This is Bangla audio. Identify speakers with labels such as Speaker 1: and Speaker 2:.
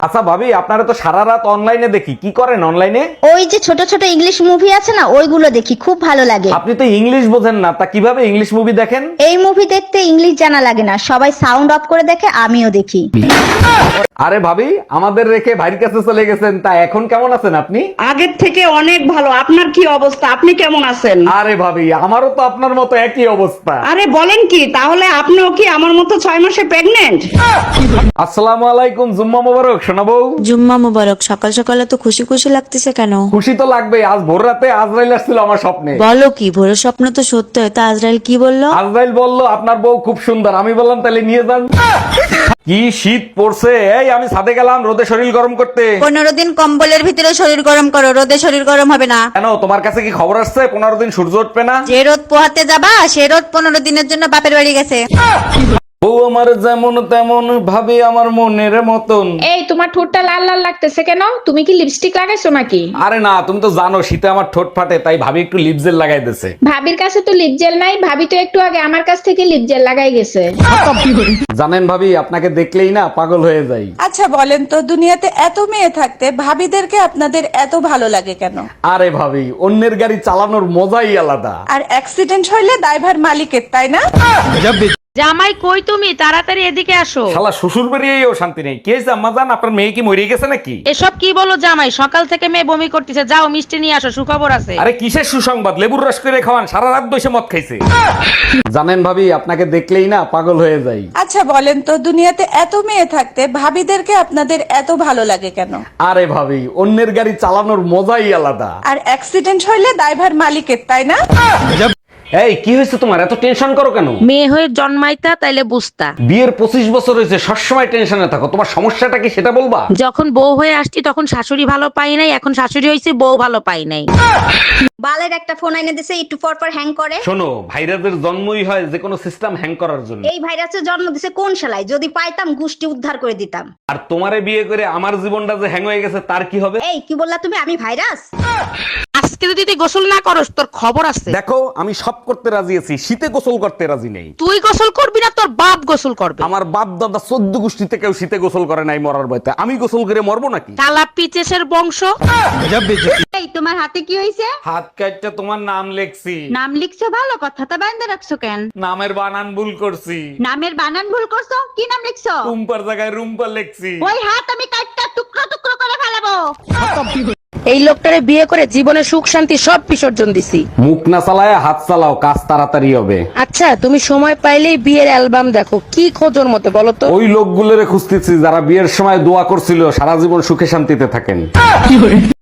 Speaker 1: আচ্ছা ভাবি, আপনারা তো সারা রাত অনলাইনে দেখি, কি করেন অনলাইনে?
Speaker 2: ওই যে ছোট ছোট ইংলিশ মুভি আছে না, ওইগুলো দেখি, খুব ভালো লাগে।
Speaker 1: আপনি তো ইংলিশ বোঝেন না, তা কিভাবে ইংলিশ মুভি দেখেন?
Speaker 2: এই মুভি দেখতে ইংলিশ জানা লাগে না, সবাই সাউন্ড অফ করে দেখে, আমিও দেখি।
Speaker 1: আরে ভাবি, আমাদের রেখে ভাইয়ের কাছে চলে গেছেন, তা এখন কেমন আছেন আপনি?
Speaker 3: আগের থেকে অনেক ভালো। আপনার কি অবস্থা? আপনি কেমন আছেন?
Speaker 1: আরে ভাবি, আমারও তো আপনার মতো একই অবস্থা।
Speaker 3: আরে বলেন কি, তাহলে আপনিও কি আমার মতো 6 মাসে প্রেগনেন্ট?
Speaker 1: আসসালামু আলাইকুম, জুম্মা মোবারক শোনাবো।
Speaker 4: জুম্মা মুবারক। সকাল সকালে তো খুশি খুশি লাগতেছে কেন?
Speaker 1: খুশি তো লাগবে, আজ ভোর রাতে আজরাইল আসছিল আমার স্বপ্নে।
Speaker 4: বলো কি, ভোরের স্বপ্ন তো সত্য হয়, তা আজরাইল কি বললো?
Speaker 1: আজরাইল বলল আপনার বউ খুব সুন্দর। আমি বললাম তাহলে নিয়ে যান। কি শীত পড়ছে, এই আমি ছাদে গেলাম রোদে শরীর গরম করতে।
Speaker 4: 15 দিন কম্বলের ভিতরে শরীর গরম করো, রোদে শরীর গরম হবে না।
Speaker 1: কেন, তোমার কাছে কি খবর আসছে 15 দিন সূর্য উঠবে না?
Speaker 4: যে রোদ পোহাতে যাবা, সে রোদ 15 দিনের জন্য বাপের বাড়ি গেছে।
Speaker 1: বউ আমার যেমন তেমন, ভাবি আমার মনের মতন।
Speaker 5: এই তোমার ঠোঁটটা লাল লাল লাগতেছে কেন? তুমি কি লিপস্টিক লাগাইছো নাকি?
Speaker 1: আরে না, তুমি তো জানো শীতে আমার ঠোঁট ফাটে, তাই ভাবি একটু লিপ জেল লাগাই দিছে।
Speaker 5: ভাবির কাছে তো লিপ জেল নাই, ভাবি তো একটু আগে আমার কাছ থেকে লিপ জেল লাগাই গেছে।
Speaker 1: জানেন ভাবি, আপনাকে দেখলেই না পাগল হয়ে যাই।
Speaker 6: আচ্ছা বলেন তো, দুনিয়াতে এত মেয়ে থাকতে ভাবিদেরকে আপনাদের এত ভালো লাগে কেন?
Speaker 1: আরে ভাবি, অন্যের গাড়ি চালানোর মজাই আলাদা।
Speaker 6: আর অ্যাক্সিডেন্ট হইলে দায়ভার মালিকের, তাই না?
Speaker 7: জামাই কই তুমি? তাড়াতাড়ি এদিকে আসো।
Speaker 1: শালা শ্বশুর বাড়িয়েও শান্তি নেই। কে আম্মা জান, আপনার মেয়ে কি মরে গেছে নাকি?
Speaker 7: এসব কি বলো জামাই? সকাল থেকে মেয়ে বমি করতেছে, যাও মিষ্টি নিয়ে আসো, সুখবর আছে।
Speaker 1: আরে কিসের সুসংবাদ? লেবুর রস করে খাওয়ান, সারা রাত বসে মদ খাইছে। জানেন ভাবি, আপনাকে দেখলেই না পাগল হয়ে যাই।
Speaker 6: আচ্ছা বলেন তো, দুনিয়াতে এত মেয়ে থাকতে ভাবিদেরকে আপনাদের এত ভালো লাগে কেন?
Speaker 1: আরে ভাবি, অন্যের গাড়ি চালানোর মজাই আলাদা।
Speaker 6: আর অ্যাক্সিডেন্ট হইলে দায়ভার মালিকের, তাই না?
Speaker 1: এই কি হয়েছে তোমার, এত টেনশন করো কেন?
Speaker 7: মেয়ে হয়ে জন্মাইতা তাইলে বুঝতা।
Speaker 1: বিয়ের 25 বছর হয়েছে, সবসময় টেনশনে থাকো। তোমার সমস্যাটা কি সেটা বলবা?
Speaker 7: যখন বউ হয়ে আসছি তখন শাশুড়ি ভালো পাই নাই, এখন শাশুড়ি হয়েছে বউ ভালো পাই নাই।
Speaker 2: বালের একটা ফোন আইনে দিছে, একটু পর পর হ্যাং করে।
Speaker 1: শোনো, ভাইরাসের জন্মই হয় যে কোনো সিস্টেম হ্যাং করার জন্য।
Speaker 2: এই ভাইরাসের জন্ম দিছে কোন শালায়? যদি পাইতাম গুষ্টি উদ্ধার করে দিতাম।
Speaker 1: আর তোমারে বিয়ে করে আমার জীবনটা যে হ্যাং হয়ে গেছে, তার কি হবে?
Speaker 2: এই কি বললা তুমি? আমি ভাইরাস?
Speaker 7: আজকে যদি তুই গোসল না করস তোর খবর আছে।
Speaker 1: দেখো, আমি সব করতে রাজি আছি, শীতে গোসল করতে রাজি নেই।
Speaker 7: তুই গোসল করবি না, তোর বাপ গোসল করবে।
Speaker 1: আমার বাপ দাদা 14 গোষ্ঠীতে কেউ শীতে গোসল করে নাই মরার ভয়তে। আমি গোসল করে মরবো নাকি?
Speaker 7: কালা পিচেসের বংশ।
Speaker 2: এই তোমার হাতে কি হইছে?
Speaker 1: হাত কাটটা তোমার নাম লেখছি।
Speaker 2: নাম লিখছো, ভালো কথা, তা বাইন্দা রাখছো কেন?
Speaker 1: নামের বানান ভুল করছি।
Speaker 2: নামের বানান ভুল করছো? কি নাম লিখছো?
Speaker 1: রুম্পার জায়গায় রুম্পা লেখছি।
Speaker 2: ওই হাত আমি কাটটা টুকরো টুকরো করে ফেলাবো।
Speaker 7: এই লোকটারে বিয়ে করে জীবনে সুখ শান্তি সব বিসর্জন দিছি।
Speaker 1: মুখ না চালায় হাত চালাও, কাজ তাড়াতাড়ি হবে।
Speaker 7: আচ্ছা, তুমি সময় পাইলেই বিয়ের অ্যালবাম দেখো, কি খোঁজোর মতে বলো তো?
Speaker 1: ওই লোকগুলোরে খুঁজতেছি যারা বিয়ের সময় দোয়া করছিল সারা জীবন সুখে শান্তিতে থাকেন।